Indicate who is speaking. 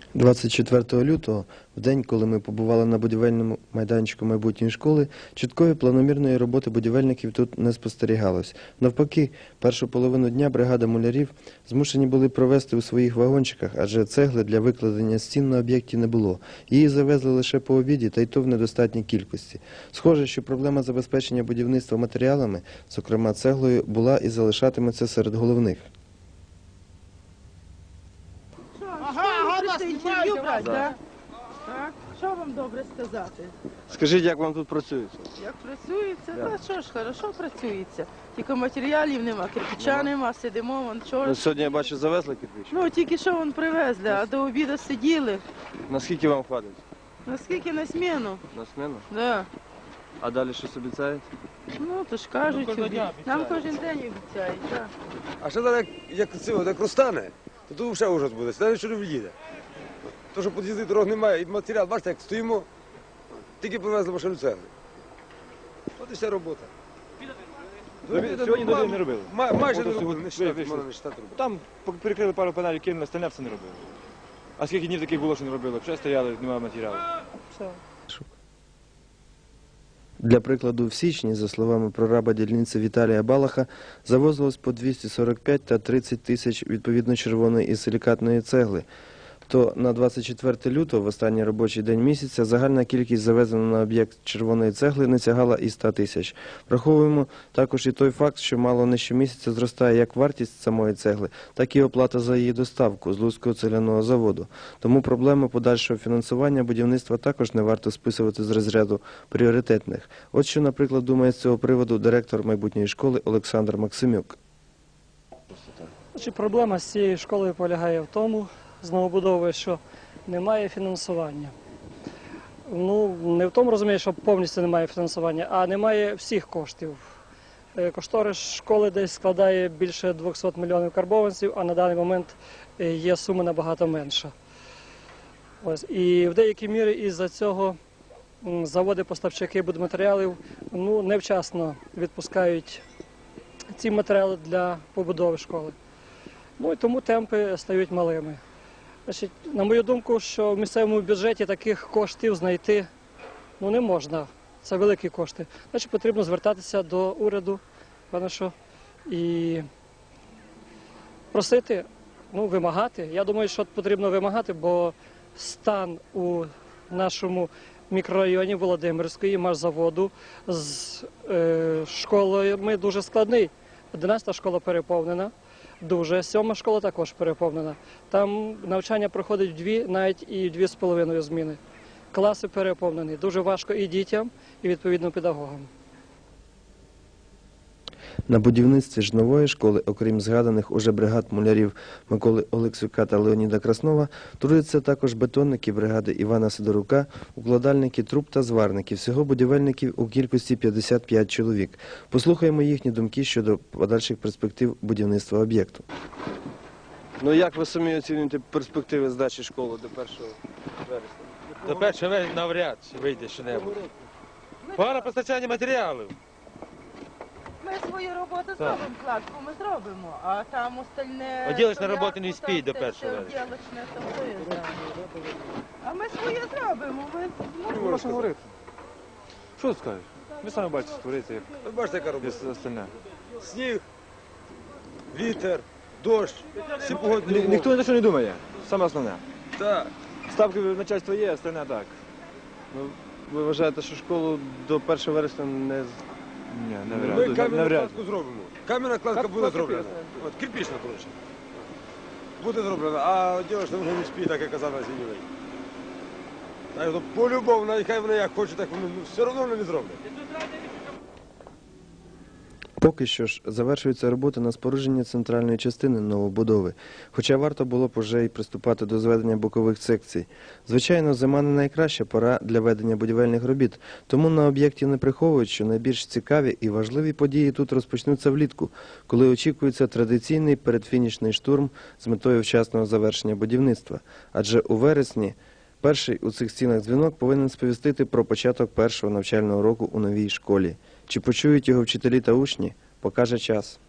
Speaker 1: 24 лютого, в день, коли ми побували на будівельному майданчику майбутньої школи, чіткої планомірної роботи будівельників тут не спостерігалось. Навпаки, першу половину дня бригада мулярів змушені були провести у своїх вагончиках, адже цегли для викладення стін на об'єкті не було. Її завезли лише по обіді, та й то в недостатній кількості. Схоже, що проблема забезпечення будівництва матеріалами, зокрема цеглою, була і залишатиметься серед головних.
Speaker 2: Інтерв'ю брати, так? Так. Що вам добре сказати?
Speaker 1: Скажіть, як вам тут працюється?
Speaker 2: Як працюється? Та що ж, хорошо працюється. Тільки матеріалів нема, кирпича нема, сидимо, вон чорт.
Speaker 1: Сьогодні, я бачу, завезли кирпич.
Speaker 2: Ну, тільки що вон привезли, а до обіду сиділи.
Speaker 1: Наскільки вам хватить?
Speaker 2: Наскільки на зміну?
Speaker 1: На зміну?
Speaker 2: Да.
Speaker 1: А далі щось обіцяють?
Speaker 2: Ну, то ж кажуть, нам кожен день обіцяють, так.
Speaker 3: А ще зараз, як розтане, то тут взагалі ужас буде, навіть що не в'їде. То, що під'їзди дорог немає, і матеріал, бачите, як стоїмо, тільки привезли машину цегли. От і вся робота.
Speaker 4: Сьогодні до не робили.
Speaker 3: Майже не
Speaker 4: Ото
Speaker 3: робили, не
Speaker 4: сьогодні
Speaker 3: вважати, можна не вважати робити.
Speaker 4: Там перекрили пару панелів, кинули, остальне все не робили. А скільки днів таких було, що не робили? Вже стояли, немає матеріалу. Все.
Speaker 1: Для прикладу, в січні, за словами прораба дільниці Віталія Балаха, завозилось по 245 та 30 тисяч відповідно червоної і силікатної цегли. То на 24 лютого, в останній робочий день місяця, загальна кількість завезена на об'єкт червоної цегли не сягала і 100 тисяч. Враховуємо також і той факт, що мало не щомісяця зростає як вартість самої цегли, так і оплата за її доставку з Луцького цегляного заводу. Тому проблему подальшого фінансування будівництва також не варто списувати з розряду пріоритетних. От що, наприклад, думає з цього приводу директор майбутньої школи Олександр Максимюк.
Speaker 5: Проблема з цією школою полягає в тому, з новобудовою, що немає фінансування. Ну, не в тому розумію, що повністю немає фінансування, а немає всіх коштів. Кошторис школи десь складає більше 200 мільйонів карбованців, а на даний момент є сума набагато менша. Ось. І в деякій мірі із-за цього заводи-поставщики будматеріалів невчасно відпускають ці матеріали для побудови школи. Ну і тому темпи стають малими. Значить, на мою думку, що в місцевому бюджеті таких коштів знайти не можна. Це великі кошти. Значить, потрібно звертатися до уряду, певно, що, і просити, вимагати. Я думаю, що потрібно вимагати, бо стан у нашому мікрорайоні Володимирської машзаводу з школами дуже складний. 11-та школа переповнена. Дуже. 7-ма школа також переповнена. Там навчання проходить в 2, навіть і 2,5 зміни. Класи переповнені. Дуже важко і дітям, і відповідно педагогам.
Speaker 1: На будівництві ж нової школи, окрім згаданих уже бригад мулярів Миколи Олексюка та Леоніда Краснова, трудяться також бетонники бригади Івана Сидорука, укладальники труб та зварники. Всього будівельників у кількості 55 чоловік. Послухаємо їхні думки щодо подальших перспектив будівництва об'єкту. Ну як ви самі оцінюєте перспективи здачі школи до 1 вересня?
Speaker 6: До 1 вересня навряд чи вийде що-небудь. Погане постачання матеріалів.
Speaker 2: Ми свою роботу зробимо, кладку ми зробимо, а там остальне...
Speaker 6: Оділочна робота не спіть до 1 вересня.
Speaker 2: Оділочне, то хто я знаю. А ми своє зробимо, ми
Speaker 4: Не можна що говорити. Що ти скажеш? Ви самі бачите, створити, як
Speaker 3: Ви бачите, яка робота.
Speaker 4: все остальне.
Speaker 3: Сніг, вітер, дощ, всі погодні умови.
Speaker 4: Ніхто ні за що не думає. Саме основне.
Speaker 3: Так.
Speaker 4: Ставки начальства є, остальне так.
Speaker 1: Ви вважаєте, що школу до 1 вересня не...
Speaker 4: Ні,
Speaker 3: Ми
Speaker 4: навряд.
Speaker 3: кам'яну
Speaker 4: Навряд.
Speaker 3: кладку зробимо. Кам'яна кладка буде зроблена. От, кирпічна, коротше. Буде зроблена, а дівчина вже не спить, так як казав Зінєвий. Так, то по-любому, навіть хай вони як хочуть, так вони все одно вони не зроблять.
Speaker 1: Поки що ж завершуються роботи на спорудженні центральної частини новобудови, хоча варто було б уже й приступати до зведення бокових секцій. Звичайно, зима не найкраща пора для ведення будівельних робіт, тому на об'єкті не приховують, що найбільш цікаві і важливі події тут розпочнуться влітку, коли очікується традиційний передфінішний штурм з метою вчасного завершення будівництва. Адже у вересні перший у цих стінах дзвінок повинен сповістити про початок першого навчального року у новій школі. Чи почують його вчителі та учні, покаже час.